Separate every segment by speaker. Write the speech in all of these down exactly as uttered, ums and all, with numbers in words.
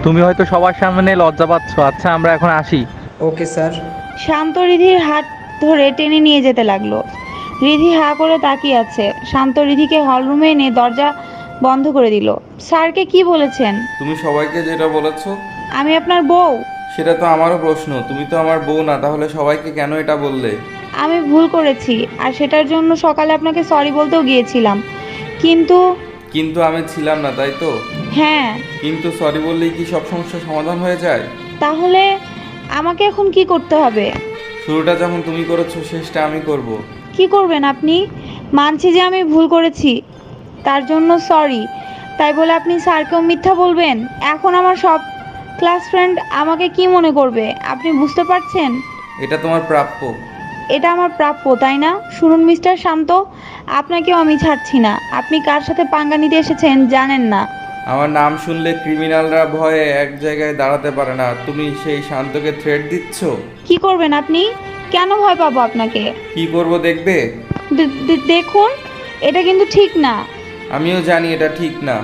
Speaker 1: তুমি হয়তো সবার সামনে লজ্জা পাচ্ছ। আচ্ছা, আমরা এখন আসি।
Speaker 2: Okay sir.
Speaker 3: শান্ত রিধির হাত ধরে টেনে নিয়ে যেতে লাগলো। রিধি হা করে তাকিয়ে আছে। শান্ত রিধিকে হলরুমে এনে দরজা বন্ধ করে দিল। স্যারকে কি বলেছেন?
Speaker 4: তুমি সবাইকে যেটা বলেছো
Speaker 3: আমি আপনার বউ।
Speaker 4: সেটা তো আমারও প্রশ্ন। তুমি তো আমার বউ না, তাহলে সবাইকে কেন এটা বললে?
Speaker 3: আমি ভুল করেছি, আর সেটার জন্য সকালে আপনাকে সরি বলতেও গিয়েছিলাম, কিন্তু
Speaker 4: কিন্তু আমি ছিলাম না, তাই তো?
Speaker 3: হ্যাঁ।
Speaker 4: কিন্তু সরি বললেই কি সব সমস্যার সমাধান হয়ে যায়?
Speaker 3: তাহলে আমাকে এখন কি করতে হবে?
Speaker 4: শুরুটা যখন তুমি করেছো, শেষটা আমি করব।
Speaker 3: কি করবেন আপনি? মানছি যে আমি ভুল করেছি, তার জন্য সরি, তাই বলে আপনি স্যারকেও মিথ্যা বলবেন? এখন আমার সব ক্লাস ফ্রেন্ড আমাকে কি মনে করবে আপনি বুঝতে পারছেন?
Speaker 4: এটা তোমার প্রাপ্য।
Speaker 3: এটা আমার প্রাপ্য, তাই না? শুনুন মিস্টার শান্ত, আপনাকেও আমি ছাড়ছি না। আপনি কার সাথে পাঙ্গা নিতে এসেছেন জানেন না।
Speaker 4: আমার নাম শুনলে ক্রিমিনালরা ভয়ে এক জায়গায় দাঁড়াতে পারে না। তুমি সেই শান্তকে থ্রেট দিচ্ছ?
Speaker 3: কি করবেন আপনি? কেন ভয় পাবো আপনাকে?
Speaker 4: কি করব দেখবে?
Speaker 3: দে- দে- দেখুন, এটা কিন্তু ঠিক না।
Speaker 4: আমিও জানি এটা ঠিক না,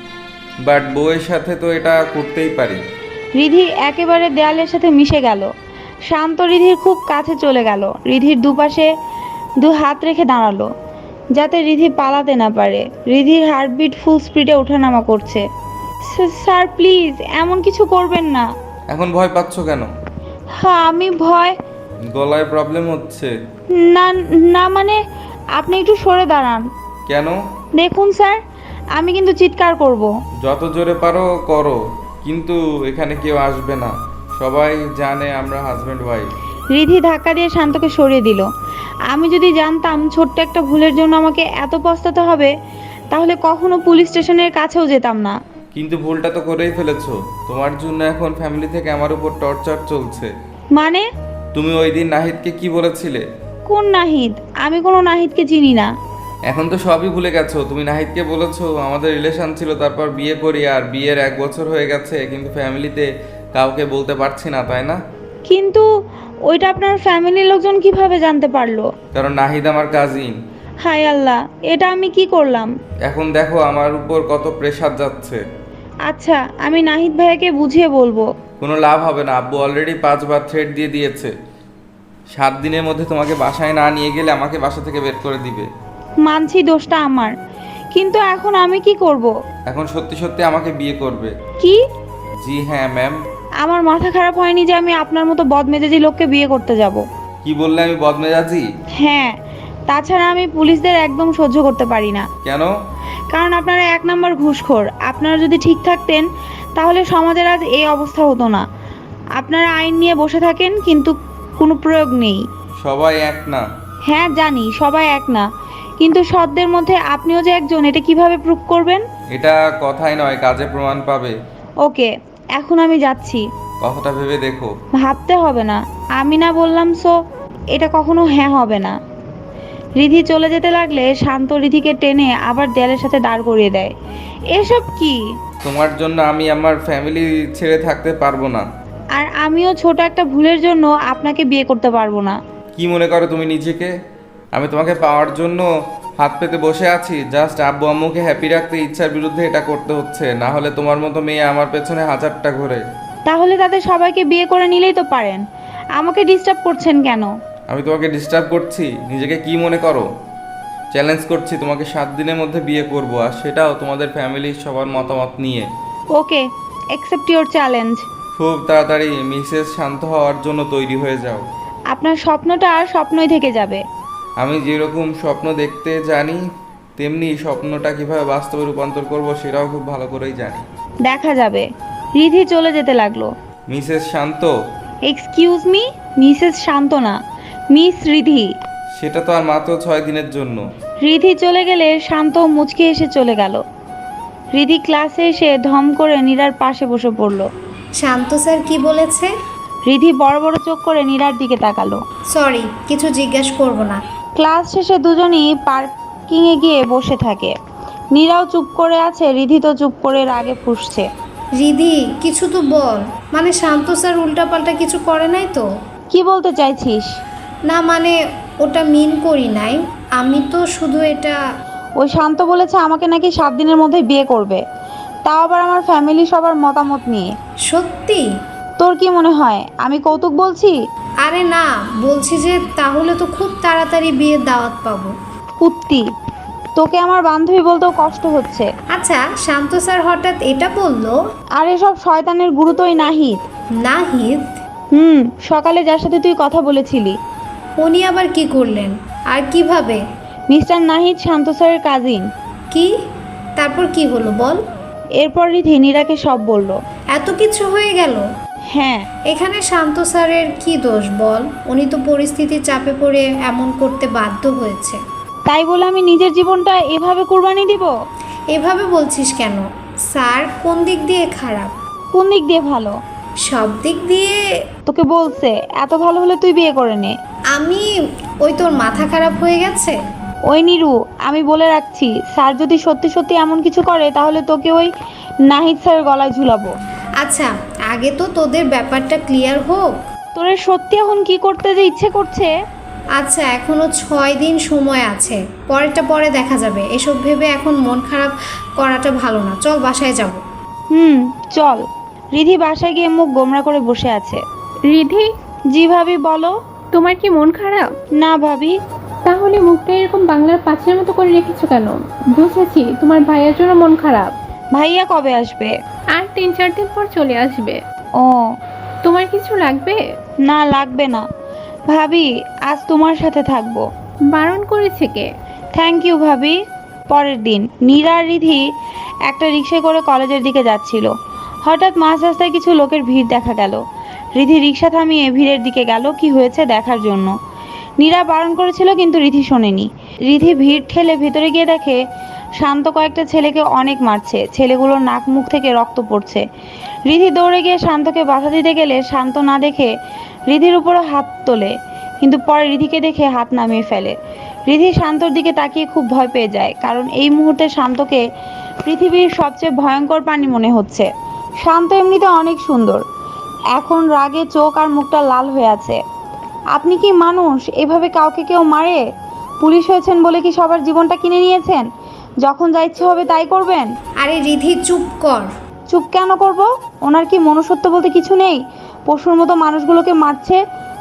Speaker 4: বাট বউয়ের সাথে তো এটা করতেই পারি।
Speaker 3: রিধি একেবারে দেয়ালের সাথে মিশে গেল। শান্ত রিধির খুব কাছে চলে গেল। রিধির দুপাশে দু হাত রেখে দাঁড়ালো, যাতে রিধি পালাতে না পারে। রিধির হার্টবিট ফুল স্পিডে ওঠানামা করছে। "স্যার স্যার, প্লিজ এমন কিছু করবেন না।"
Speaker 4: এখন ভয় পাচ্ছ কেন?
Speaker 3: হ্যাঁ, আমি ভয়
Speaker 4: গলায় প্রবলেম হচ্ছে?
Speaker 3: না, না মানে আপনি একটু সরে দাঁড়ান।
Speaker 4: কেন?
Speaker 3: দেখুন স্যার, আমি কিন্তু চিৎকার করব।
Speaker 4: যত জোরে পারো করো, কিন্তু এখানে কেউ আসবে না। সবাই জানে আমরা হাজব্যান্ড ওয়াইফ।
Speaker 3: রিধি ধাক্কা দিয়ে শান্তকে সরিয়ে দিল। আমি যদি জানতাম ছোট্ট একটা ভুলের জন্য আমাকে এত পস্তাতে হবে, তাহলে কখনো পুলিশ স্টেশনের কাছেও যেতাম না।
Speaker 4: কিন্তু ভুলটা তো করেই ফেলেছো। তোমার জন্য এখন ফ্যামিলি থেকে আমার উপর টর্চার চলছে।
Speaker 3: মানে?
Speaker 4: তুমি ওই দিন নাহিদকে কি বলেছিলে?
Speaker 3: কোন নাহিদ? আমি কোনো নাহিদকে চিনি না।
Speaker 4: এখন তো সবই ভুলে গেছো। তুমি নাহিদকে বলেছো আমাদের রিলেশন ছিল, তারপর বিয়ে করি, আর বিয়ের এক বছর হয়ে গেছে, কিন্তু ফ্যামিলিতে কাউকে বলতে পারছি না, তাই না?
Speaker 3: কিন্তু ওইটা আপনার ফ্যামিলির লোকজন কিভাবে জানতে পারলো?
Speaker 4: কারণ নাহিদ আমার কাজিন।
Speaker 3: হায় আল্লাহ, এটা আমি কি করলাম?
Speaker 4: এখন দেখো আমার উপর কত প্রেশার যাচ্ছে।
Speaker 3: আচ্ছা, আমি নাহিদ ভাইয়াকে বুঝিয়ে বলবো।
Speaker 4: কোনো লাভ হবে না। আব্বু অলরেডি পাঁচবার থ্রেট দিয়ে দিয়েছে। সাত দিনের মধ্যে তোমাকে বাসায় না নিয়ে গেলে আমাকে বাসা থেকে বের করে দিবে।
Speaker 3: মানছি দোষটা আমার, কিন্তু এখন আমি কি করব?
Speaker 4: এখন সত্যি সত্যি আমাকে বিয়ে করবে?
Speaker 3: কি?
Speaker 4: জি হ্যাঁ ম্যাম।
Speaker 3: আমার মাথা খারাপ হয়নি যে আমি আপনার মতো বদমেজাজি লোককে বিয়ে করতে যাব।
Speaker 4: কি বললে আমি বদমেজাজি?
Speaker 3: হ্যাঁ, তাছাড়া আমি পুলিশদের একদম সহ্য করতে পারি না।
Speaker 4: কেন?
Speaker 3: কারণ আপনারা এক নম্বর ঘুষখোর। আপনারা যদি ঠিক থাকতেন তাহলে সমাজের আজ এই অবস্থা হতো না। আপনারা আইন নিয়ে বসে থাকেন, কিন্তু কোনো প্রয়োগ নেই।
Speaker 4: সবাই এক না।
Speaker 3: হ্যাঁ জানি সবাই এক না, কিন্তু সৎদের মধ্যে আপনিও যে একজন, এটা কিভাবে প্রুভ করবেন?
Speaker 4: এটা কথাই নয়, কাজে প্রমাণ পাবে।
Speaker 3: ওকে, এখন আমি যাচ্ছি।
Speaker 4: কথাটা ভেবে দেখো।
Speaker 3: ভাবতে হবে না, আমি না বললাম সো, এটা কখনো হ্যাঁ হবে না। রিধি চলে যেতে লাগলে শান্ত রিধিকে টেনে আবার দেয়ালের সাথে দাঁড় করিয়ে দেয়। এসব কি?
Speaker 4: তোমার জন্য আমি আমার ফ্যামিলি ছেড়ে থাকতে পারবো না।
Speaker 3: আর আমিও ছোট একটা ভুলের জন্য আপনাকে বিয়ে করতে পারবো না।
Speaker 4: কি মনে করো তুমি নিজেকে? আমি তোমাকে পাওয়ার জন্য হাত পেতে বসে আছি? জাস্ট আব্বু আম্মুকে হ্যাপি রাখতে ইচ্ছার বিরুদ্ধে এটা করতে হচ্ছে, না হলে তোমার মতো মেয়ে আমার পেছনে হাজারটা ঘোরে।
Speaker 3: তাহলে তাদের সবাইকে বিয়ে করে নিলেই তো পারেন, আমাকে ডিস্টার্ব করছেন কেন?
Speaker 4: আমি তোমাকে ডিস্টার্ব করছি? নিজেকে কি মনে করো? চ্যালেঞ্জ করছি, তোমাকে সাত দিনের মধ্যে বিয়ে করব, আর সেটাও তোমাদের ফ্যামিলির সবার মতামত নিয়ে।
Speaker 3: Okay, accept your challenge.
Speaker 4: খুব তাড়াতাড়ি মিসেস শান্ত হওয়ার জন্য তৈরি হয়ে যাও।
Speaker 3: আপনার স্বপ্নটা আর স্বপ্নই থেকে যাবে।
Speaker 4: আমি যেরকম স্বপ্ন দেখতে জানি, তেমনি স্বপ্নটা কিভাবে বাস্তবে রূপান্তর করব সেটাও খুব ভালো করেই জানি।
Speaker 3: দেখা যাবে। রিধি চলে যেতে লাগলো।
Speaker 4: Mrs Shanta?
Speaker 3: Excuse me, Mrs Shantana, miss Ridhi.
Speaker 4: সেটা তো আর মাত্র ছয় দিনের জন্য।
Speaker 3: রিধি চলে গেলে শান্ত মুচকে এসে চলে গেল। রিধি ক্লাসে এসে ধম করে নীরার পাশে বসে পড়ল।
Speaker 5: শান্ত স্যার কি বলেছে?
Speaker 3: রিধি বড় বড় চোখ করে নীরার দিকে তাকালো।
Speaker 5: সরি, কিছু জিজ্ঞেস করব না।
Speaker 3: ক্লাস শেষে দুজনই পার্কিংয়ে গিয়ে বসে থাকে। নীরাও চুপ করে আছে, রিধি তো চুপ করে রাগে ফুঁসছে।
Speaker 5: রিধি, কিছু তো বল। মানে শান্ত স্যার উল্টাপাল্টা কিছু করে নাই তো?
Speaker 3: কি বলতে চাইছিস?
Speaker 5: না মানে ওটা মিন করি নাই, আমি তো শুধু এটা।
Speaker 3: ওই শান্ত বলেছে আমাকে নাকি সাত দিনের মধ্যে বিয়ে করবে। তাও আবার আমার ফ্যামিলি সবার মতামত নিয়ে।
Speaker 5: সত্যি?
Speaker 3: তোর কি মনে হয় আমি কৌতুক বলছি?
Speaker 5: আরে না, বলছি যে তাহলে তো খুব তাড়াতাড়ি বিয়ের দাওয়াত পাবো।
Speaker 3: কুত্তি, তোকে আমার বান্ধবী বলতেও কষ্ট হচ্ছে।
Speaker 5: আচ্ছা, শান্ত স্যার হঠাৎ এটা বললো?
Speaker 3: আর এসব শয়তানের গুরুতই নাহিদ।
Speaker 5: নাহিদ?
Speaker 3: হুম, সকালে যার সাথে তুই কথা বলেছিলি।
Speaker 5: উনি আবার কি করলেন? আর কিভাবে?
Speaker 3: মিস্টার নাহিদ শান্ত স্যারের কাজিন।
Speaker 5: কি? তারপর কি হলো বল।
Speaker 3: এরপর রিধি নীরাকে সব বলল।
Speaker 5: এত কিছু হয়ে গেল?
Speaker 3: হ্যাঁ।
Speaker 5: এখানে শান্ত স্যারের কি দোষ বল? উনি তো পরিস্থিতির চাপে পড়ে এমন করতে বাধ্য হয়েছে।
Speaker 3: তাই বলে আমি নিজের জীবনটা এভাবে কুরবানি দিব?
Speaker 5: এভাবে বলছিস কেন? স্যার কোন দিক দিয়ে খারাপ?
Speaker 3: কোন দিক দিয়ে ভালো?
Speaker 5: সব দিক দিয়ে।
Speaker 3: তোকে বলছে এত ভালো হলে তুই বিয়ে করে নে।
Speaker 5: আমি ওই তোর মাথা খারাপ হয়ে গেছে?
Speaker 3: ওই নিরু, আমি বলে রাখছি, স্যার যদি সত্যি সত্যি এমন কিছু করে তাহলে তোকে ওই নাহিদ স্যারের গলায় ঝুলাবো।
Speaker 5: আচ্ছা, আগে তো তোদের ব্যাপারটা ক্লিয়ার হোক।
Speaker 3: তোরে সত্যি এখন কি করতে যে ইচ্ছে করছে?
Speaker 5: আচ্ছা, এখনো ছয় দিন সময় আছে, পরেরটা পরে দেখা যাবে। এসব ভেবে এখন মন খারাপ করাটা ভালো না। চল বাসায় যাব।
Speaker 3: হুম, চল। রিধি বাসায় গিয়ে মুখ গোমরা করে বসে আছে।
Speaker 2: রিধি,
Speaker 3: জি ভাবি বলো।
Speaker 2: তোমার কি মন খারাপ?
Speaker 3: না ভাবি।
Speaker 2: তাহলে মুখটা এরকম বাংলার পাঁচের মতো করে রেখেছো কেন? বুঝেছি তোমার ভাইয়ের জন্য মন খারাপ।
Speaker 3: ভাইয়া কবে আসবে?
Speaker 2: আর তিন চার দিন পর চলে আসবে।
Speaker 3: ও,
Speaker 2: তোমার কিছু লাগবে?
Speaker 3: না লাগবে না ভাবি, আজ তোমার সাথে থাকবো।
Speaker 2: বারণ করেছে কে?
Speaker 3: থ্যাংক ইউ ভাবি। পরের দিন নীরা আর রিধি একটা রিক্সায় করে কলেজের দিকে যাচ্ছিল। হঠাৎ মাঝ রাস্তায় কিছু লোকের ভিড় দেখা গেল। রিধি রিক্সা থামিয়ে ভিড়ের দিকে গেল কি হয়েছে দেখার জন্য। নীরা বারণ করেছিল কিন্তু রিধি শোনেনি। রিধি ভিড় ঠেলে ভেতরে গিয়ে দেখে শান্ত কয়েকটা ছেলেকে অনেক মারছে। ছেলেগুলোর নাক মুখ থেকে রক্ত পড়ছে। রিধি দৌড়ে গিয়ে শান্তকে বাধা দিতে গেলে শান্ত না দেখে রিধির উপরে হাত তোলে, কিন্তু পরে রিধিকে দেখে হাত নামিয়ে ফেলে। রিধি শান্তর দিকে তাকিয়ে খুব ভয় পেয়ে যায়, কারণ এই মুহূর্তে শান্তকে পৃথিবীর সবচেয়ে ভয়ঙ্কর প্রাণী মনে হচ্ছে। শান্ত এমনিতে অনেক সুন্দর, এখন রাগে চোখ আর মুখটা লাল হয়ে আছে। আপনি কি মানুষ? এভাবে কাউকে কেউ মারে? পুলিশ হয়েছেন বলে কি সবার জীবনটা কিনে নিয়েছেন? যখন যা ইচ্ছে হবে তাই করবেন?
Speaker 5: আরে রিধি, চুপ কর।
Speaker 3: চুপ কেন করব? ওনার কি মনুষ্যত্ব বলতে কিছু নেই? পশুর মতো মানুষগুলোকে মারছে।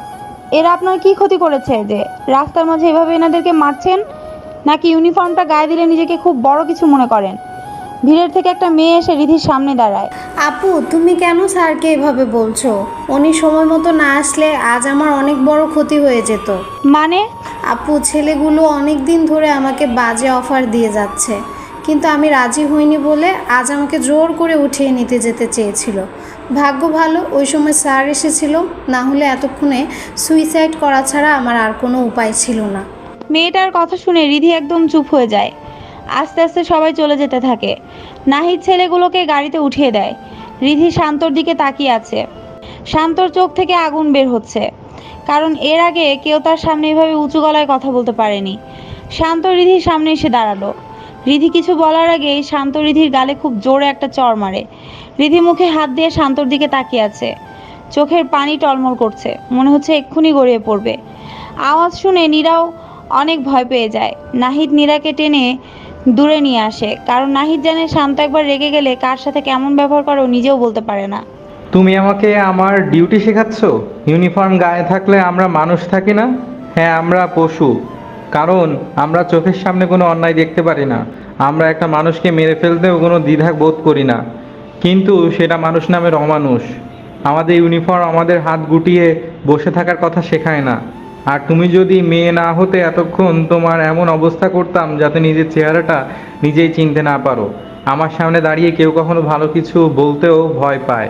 Speaker 3: এরা আপনার কি ক্ষতি করেছে যে রাস্তার মাঝে এভাবে এনাদেরকে মারছেন? নাকি ইউনিফর্মটা গায়ে দিলে নিজেকে খুব বড় কিছু মনে করেন? ভিড়ের থেকে একটা মেয়ে এসে রিধির সামনে দাঁড়ায়।
Speaker 5: আপু, তুমি কেন স্যারকে এভাবে বলছো? উনি সময় মতো না আসলে আজ আমার অনেক বড় ক্ষতি হয়ে যেত।
Speaker 3: মানে?
Speaker 5: আপু, ছেলেগুলো অনেক দিন ধরে আমাকে বাজে অফার দিয়ে যাচ্ছে, কিন্তু আমি রাজি হইনি বলে আজ আমাকে জোর করে উঠিয়ে নিতে যেতে চেয়েছিল। ভাগ্য ভালো ওই সময় স্যার এসেছিল, না হলে এতক্ষণে সুইসাইড করা ছাড়া আমার আর কোনো উপায় ছিল না।
Speaker 3: মেয়েটার কথা শুনে রিধি একদম চুপ হয়ে যায়। আস্তে আস্তে সবাই চলে যেতে থাকে। নাহিদ ছেলেগুলোকে গাড়িতে উঠিয়ে দেয়। রিধি শান্তর দিকে তাকিয়ে আছে। শান্তর চোখ থেকে আগুন বের হচ্ছে, কারণ এর আগে কেউ তার সামনে এভাবে উঁচু গলায় কথা বলতে পারেনি। শান্ত রিধির সামনে এসে দাঁড়ালো। রিধি কিছু বলার আগেই শান্ত রিধির গালে খুব জোরে একটা চড় মারে। রিধি মুখে হাত দিয়ে শান্তর দিকে তাকিয়ে আছে। চোখের পানি টলমল করছে, মনে হচ্ছে এক্ষুনি গড়িয়ে পড়বে। আওয়াজ শুনে নীরাও অনেক ভয় পেয়ে যায়। নাহিদ নীরাকে টেনে দূরে নিয়ে আসে, কারণ নাহিদ জানে শান্ত একবার রেগে গেলে কার সাথে কেমন ব্যবহার করে ও নিজেও বলতে পারে না।
Speaker 1: তুমি আমাকে আমার ডিউটি শেখাচ্ছ? ইউনিফর্ম গায়ে থাকলে আমরা মানুষ থাকি না? হ্যাঁ, আমরা পশু, কারণ আমরা চোখের সামনে কোনো অন্যায় দেখতে পারি না। আমরা একটা মানুষকে মেরে ফেলতেও কোনো দ্বিধা বোধ করি না, কিন্তু সেটা মানুষ নামের অমানুষ। আমাদের ইউনিফর্ম আমাদের হাত গুটিয়ে বসে থাকার কথা শেখায় না। আর তুমি যদি মেয়ে না হতে এতক্ষণ তোমার এমন অবস্থা করতাম যাতে নিজের চেহারাটা নিজেই চিনতে না পারো। আমার সামনে দাঁড়িয়ে কেউ কখনো ভালো কিছু বলতেও ভয় পায়,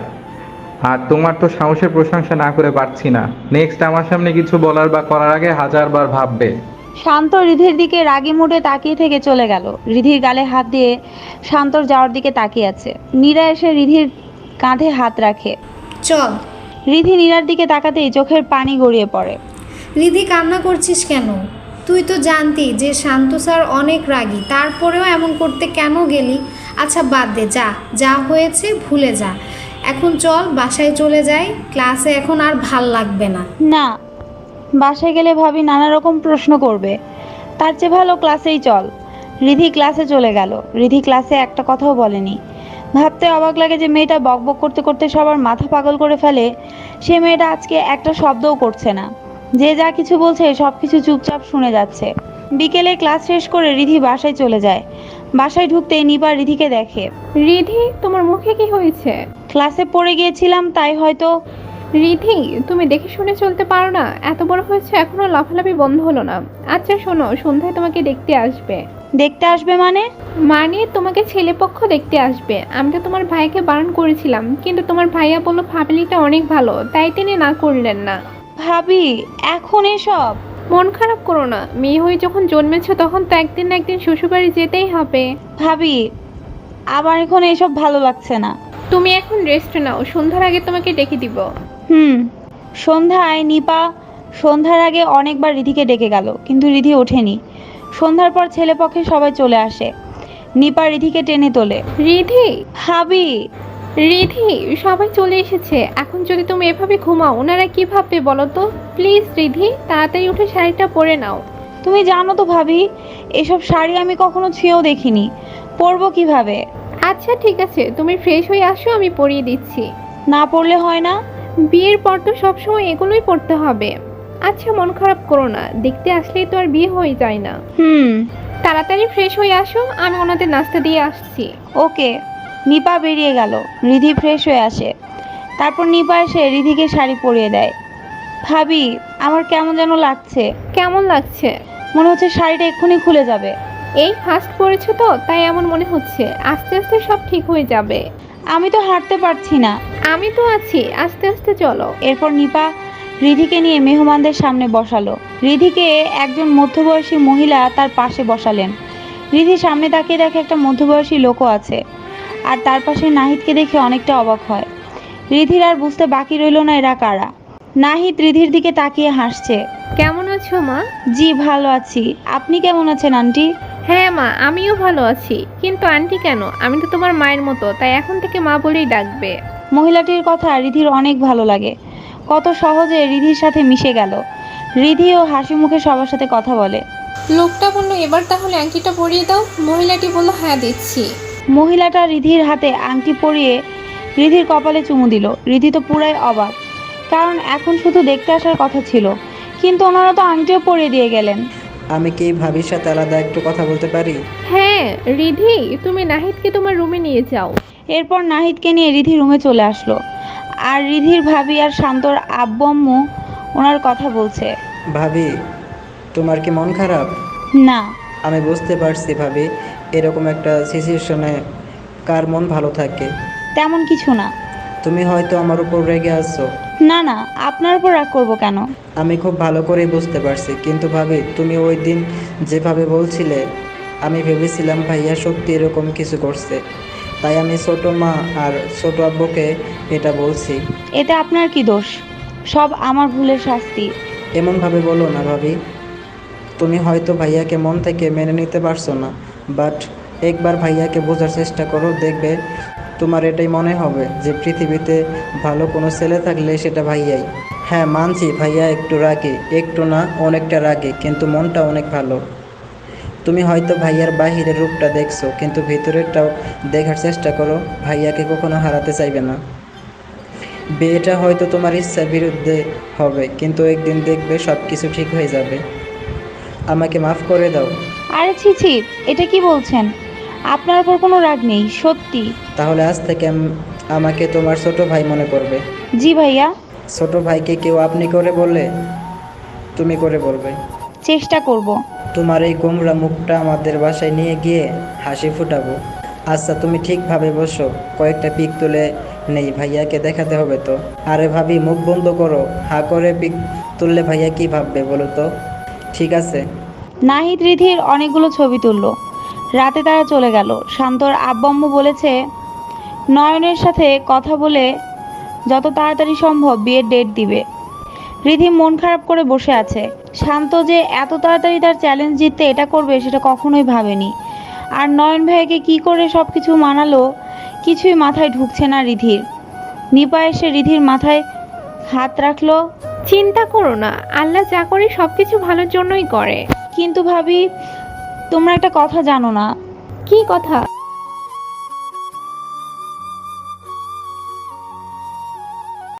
Speaker 1: আর তোমার তো সাহসের প্রশংসা না করে পারছি না। নেক্সট আমার সামনে কিছু বলার বা করার আগে হাজারবার ভাববে।
Speaker 3: শান্ত রিধির দিকে রাগি মুডে তাকিয়ে থেকে চলে গেল। রিধির গালে হাত দিয়ে শান্তর যাওয়ার দিকে তাকিয়ে আছে। নীরা এসে রিধির কাঁধে হাত রাখে।
Speaker 5: চল।
Speaker 3: রিধি নীরার দিকে তাকাতেই চোখের পানি গড়িয়ে পড়ে।
Speaker 5: রিধি, কান্না করছিস কেন? তুই তো জানতি যে শান্ত স্যার অনেক রাগী, তারপরেও এমন করতে কেন গেলি? আচ্ছা বাদ দে, যা যা হয়েছে ভুলে যা। এখন চল বাসায় চলে যাই, ক্লাসে এখন আর ভাল লাগবে না।
Speaker 3: না, বাসায় গেলে ভাবি নানা রকম প্রশ্ন করবে, তার চেয়ে ভালো ক্লাসেই চল। রিধি ক্লাসে চলে গেল। রিধি ক্লাসে একটা কথাও বলেনি। ভাবতে অবাক লাগে যে মেয়েটা বকবক করতে করতে সবার মাথা পাগল করে ফেলে, সে মেয়েটা আজকে একটা শব্দও করছে না। যে যা কিছু বলছে সব কিছু চুপচাপ শুনে যাচ্ছে। বিকেলে ক্লাস শেষ করে রিধি বাসায় চলে যায়। বাসায় ঢুকতেই নিপা রিধিকে দেখে।
Speaker 2: রিধি, তোমার মুখে কি হয়েছে?
Speaker 3: ক্লাসে পড়ে গিয়েছিলাম, তাই হয়তো।
Speaker 2: রিধি, তুমি দেখে শুনে চলতে পারো না? এত বড় হয়েছে এখনো লাফালাফি বন্ধ হলো না। আচ্ছা শোনো, সন্ধ্যায় তোমাকে দেখতে আসবে।
Speaker 3: দেখতে আসবে মানে?
Speaker 2: মানে তোমাকে ছেলেপক্ষ দেখতে আসবে। আমি তো তোমার ভাইকে বারণ করেছিলাম, কিন্তু তোমার ভাইয়া বলল ফ্যামিলিটা অনেক ভালো, তাই তিনি না করলেন না।
Speaker 3: ভাবি, এখন এসব?
Speaker 2: মন খারাপ করো না, মেয়ে হয়ে যখন জন্মেছো তখন তো একদিন না একদিন শ্বশুরবাড়ি যেতেই হবে।
Speaker 3: ভাবি, আমার এখন এসব ভালো লাগছে না।
Speaker 2: তুমি এখন রেস্ট নাও, সন্ধ্যার আগে তোমাকে ডেকে দিব।
Speaker 3: হুম। সন্ধ্যায় নিপা সন্ধ্যার আগে অনেকবার রিধিকে ডেকে গেল, কিন্তু রিধি ওঠেনি। সন্ধ্যার পর ছেলেপক্ষে সবাই চলে আসে। নিপা রিধিকে টেনে তোলে।
Speaker 2: রিধি,
Speaker 3: ভাবি।
Speaker 2: রিধি, সবাই চলে এসেছে। এখন যদি তুমি এভাবে ঘুমাও ওনারা কি ভাববে বলো তো? প্লিজ রিধি, তাড়াতাড়ি উঠে শাড়িটা পরে নাও।
Speaker 3: তুমি জানো তো ভাবি, এসব শাড়ি আমি কখনো ছুঁয়েও দেখিনি, পরবো কিভাবে?
Speaker 2: আচ্ছা ঠিক আছে, তুমি ফ্রেশ হয়ে আসো, আমি পরিয়ে দিচ্ছি।
Speaker 3: না পরলে হয় না?
Speaker 2: বিয়ের পর তো সবসময় এগুলোই পড়তে হবে। আচ্ছা মন খারাপ করো না, দেখতে আসলেই তো আর বিয়ে হয়ে যায় না।
Speaker 3: হুম।
Speaker 2: তাড়াতাড়ি ফ্রেশ হয়ে আসো, আমি ওনাদের নাস্তা দিয়ে আসছি।
Speaker 3: ওকে। নিপা বেরিয়ে গেল। রিধি ফ্রেশ হয়ে আসে। তারপর নিপা এসে রিধিকে শাড়ি পরিয়ে দেয়। ভাবি, আমার কেমন যেন লাগছে।
Speaker 2: কেমন লাগছে?
Speaker 3: মনে হচ্ছে শাড়িটা এক্ষুনি খুলে যাবে।
Speaker 2: এই ফার্স্ট পড়েছো তো, তাই এমন মনে হচ্ছে। আস্তে আস্তে সব ঠিক হয়ে যাবে।
Speaker 3: আমি তো হাঁটতে পারছি না।
Speaker 2: আমি তো আছি, আস্তে আস্তে চলো।
Speaker 3: এরপর নিপা রিধিকে নিয়ে মেহমানদের সামনে বসালো। রিধিকে একজন মধ্যবয়সী মহিলা তার পাশে বসালেন। রিধি সামনে তাকিয়ে দেখে একটা মধ্যবয়সী লোকও আছে, আর তার পাশে নাহিদকে দেখে অনেকটা অবাক হয়। রিধির আর বুঝতে বাকি রইল না এরা কারা। নাহিদ রিধির দিকে তাকিয়ে হাসছে।
Speaker 2: কেমন আছো মা?
Speaker 3: জি ভালো আছি, আপনি কেমন আছেন আন্টি?
Speaker 2: হ্যাঁ মা, আমিও ভালো আছি। কিন্তু আন্টি কেন? আমি তো তোমার মায়ের মতো, তাই এখন থেকে মা বলেই ডাকবে।
Speaker 3: মহিলাটির কথা রিধির অনেক ভালো লাগে। কত সহজে রিধির সাথে মিশে গেল। রিধিও হাসি মুখে সবার সাথে কথা বলে।
Speaker 2: লোকটা বলল এবার তাহলে আংটিটা পরিয়ে দাও। মহিলাটি বলল হ্যাঁ দিচ্ছি।
Speaker 3: মহিলাটা রিধির হাতে আংটি পরিয়ে রিধির কপালে চুমু দিল। রিধি তো পুরাই অবাক, কারণ এখন শুধু দেখতে আসার কথা ছিল, কিন্তু ওনারা তো আংটিও পরিয়ে দিয়ে গেলেন।
Speaker 6: আমি কি ভাবির সাথে আলাদা একটু কথা বলতে পারি?
Speaker 2: হ্যাঁ রিধি, তুমি নাহিদকে তোমার রুমে নিয়ে যাও।
Speaker 3: এরপর নাহিদকে নিয়ে রিধি রুমে চলে আসলো। আর রিধির ভাবি আর শান্তর আব্বু আম্মু ওনার কথা বলছে।
Speaker 6: ভাবি, তোমার কি মন খারাপ?
Speaker 3: না।
Speaker 6: আমি বুঝতে পারছি ভাবি, এরকম একটা সিচুয়েশনে কার মন ভালো থাকে।
Speaker 3: তেমন কিছু না।
Speaker 6: তুমি হয়তো আমার উপর রেগে আছো।
Speaker 3: না না, আপনার উপর রাগ করবো কেন?
Speaker 6: আমি খুব ভালো করেই বুঝতে পারছি, কিন্তু ভাবি তুমি ওই দিন যেভাবে বলছিলে, আমি ভেবেছিলাম ভাইয়া সত্যি এরকম কিছু করছে, তাই আমি ছোট মা আর ছোট আব্বুকে এটা বলছি।
Speaker 3: এতে আপনার কি দোষ? সব আমার ভুলের শাস্তি।
Speaker 6: এমনভাবে বলো না ভাবি। তুমি হয়তো ভাইয়াকে মন থেকে মেনে নিতে পারছো না, বাট একবার ভাইয়াকে বোঝার চেষ্টা করো, দেখবে তোমার এটাই মনে হবে যে পৃথিবীতে ভালো কোনো ছেলে থাকলে সেটা ভাইয়াই। হ্যাঁ মানছি ভাইয়া একটু রাগে, একটু না অনেকটা রাগে, কিন্তু মনটা অনেক ভালো। তুমি হয়তো ভাইয়ার বাহিরের রূপটা দেখছো, কিন্তু ভিতরেরটাও দেখার চেষ্টা করো। ভাইয়াকে কখনো হারাতে চাইবে না। বিয়েটা হয়তো তোমার ইচ্ছার বিরুদ্ধে হবে, কিন্তু একদিন দেখবে সব কিছু ঠিক হয়ে যাবে। আমাকে মাফ করে দাও।
Speaker 3: আরে ছি ছি, এটা কি বলছেন? আপনার উপর কোনো রাগ নেই, সত্যি।
Speaker 6: তাহলে আজ থেকে আম- আমাকে তোমার ছোট ভাই মনে করবে।
Speaker 3: জি ভাইয়া।
Speaker 6: ছোট ভাইকে কেউ আপনি করে বললে তুমি করে বলবে।
Speaker 3: চেষ্টা করব।
Speaker 6: তোমার এই গোমরা মুখটা আমাদের বাসায় নিয়ে গিয়ে হাসি ফুটাবো। আচ্ছা তুমি ঠিকভাবে বসো, কয়েকটা পিক তুলে নেই, ভাইয়াকে দেখাতে হবে তো। আরে ভাবি মুখ বন্ধ করো, হা করে পিক তুললে ভাইয়া কি ভাববে বলো তো? ঠিক আছে।
Speaker 3: নাহিদ রিধির অনেকগুলো ছবি তুললো। রাতে তারা চলে গেল। শান্তর আব্বু আম্মু বলেছে নয়নের সাথে কথা বলে যত তাড়াতাড়ি সম্ভব বিয়ের ডেট দিবে। রিধি মন খারাপ করে বসে আছে। শান্ত যে এত তাড়াতাড়ি তার চ্যালেঞ্জ জিততে এটা করবে সেটা কখনোই ভাবেনি। আর নয়ন ভাইকে কি করে সব কিছু মানালো কিছুই মাথায় ঢুকছে না রিধির। নিপা এসে রিধির মাথায় হাত রাখলো।
Speaker 2: চিন্তা করো না, আল্লাহ যা করে সবকিছু ভালোর জন্যই করে।
Speaker 3: কিন্তু ভাবি, তোমরা একটা কথা জানো না?
Speaker 2: কি কথা?